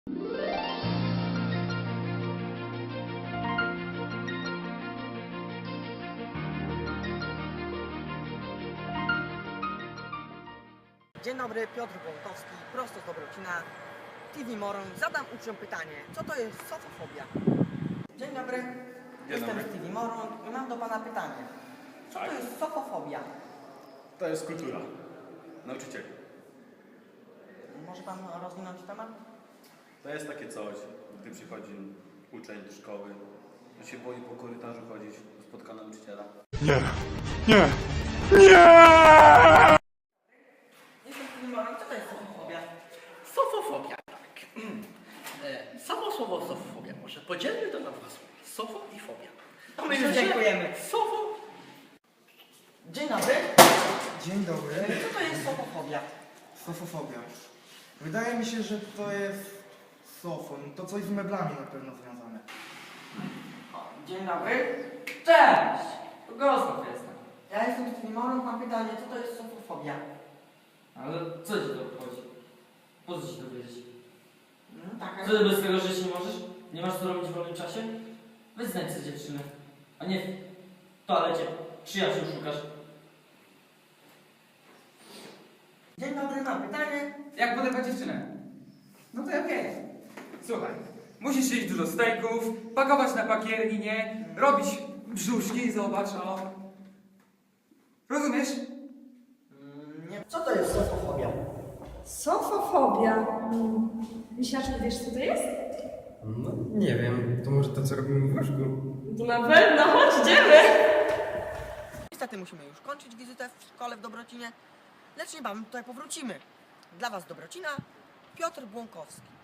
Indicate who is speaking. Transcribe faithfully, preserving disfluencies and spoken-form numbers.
Speaker 1: Dzień dobry, Piotr Błąkowski, prosto z Dobrocina, T V Moron. Zadam uczniom pytanie, co to jest sofofobia? Dzień dobry,
Speaker 2: Dzień
Speaker 1: jestem
Speaker 2: dobry.
Speaker 1: z T V Moron i mam do Pana pytanie. Co
Speaker 2: Tak.
Speaker 1: to jest sofofobia?
Speaker 2: To jest kultura. Nauczycieli.
Speaker 1: Może Pan rozwinąć temat?
Speaker 2: To jest takie coś, gdy przychodzi uczeń do szkoły, on się boi po korytarzu chodzić, spotka nauczyciela.
Speaker 3: Nie, nie, nie!
Speaker 1: Jestem z T V Moron, co to jest sofofobia?
Speaker 4: Sofofobia, tak. E, Samo słowo sofofobia może podzielmy to na dwa słowa. Sofo i fobia.
Speaker 1: To my już dziękujemy.
Speaker 4: Sofo.
Speaker 1: Dzień dobry,
Speaker 5: Dzień dobry.
Speaker 1: co to jest sofofobia?
Speaker 5: Sofofobia. Wydaje mi się, że to jest sofon. To coś z meblami na pewno związane.
Speaker 1: O, dzień dobry. Cześć! Gosław jestem. Ja jestem z T V Moron, mam pytanie, co to jest sofofobia?
Speaker 6: Ale co ci to obchodzi? Po co ci to wiedzieć?
Speaker 1: No, taka...
Speaker 6: Co ty bez tego żyć nie możesz? Nie masz co robić w wolnym czasie? Weź znajdź sobie dziewczynę. A nie w toalecie przyjaciół szukasz.
Speaker 1: Dzień dobry, mam pytanie.
Speaker 7: Jak podebrać dziewczynę? No to okej. Słuchaj, musisz jeść dużo stejków, pakować na pakierninie, robić brzuszki, zobacz, o. Rozumiesz?
Speaker 1: Mm, nie. Co to jest sofofobia?
Speaker 8: Sofofobia. Hmm. Misiaczku, wiesz co to jest?
Speaker 9: No, nie wiem. To może to, co robimy w łóżku?
Speaker 8: To na pewno, chodź, idziemy!
Speaker 1: Niestety musimy już kończyć wizytę w szkole w Dobrocinie, lecz niebawem tutaj powrócimy. Dla Was z Dobrocina, Piotr Błąkowski.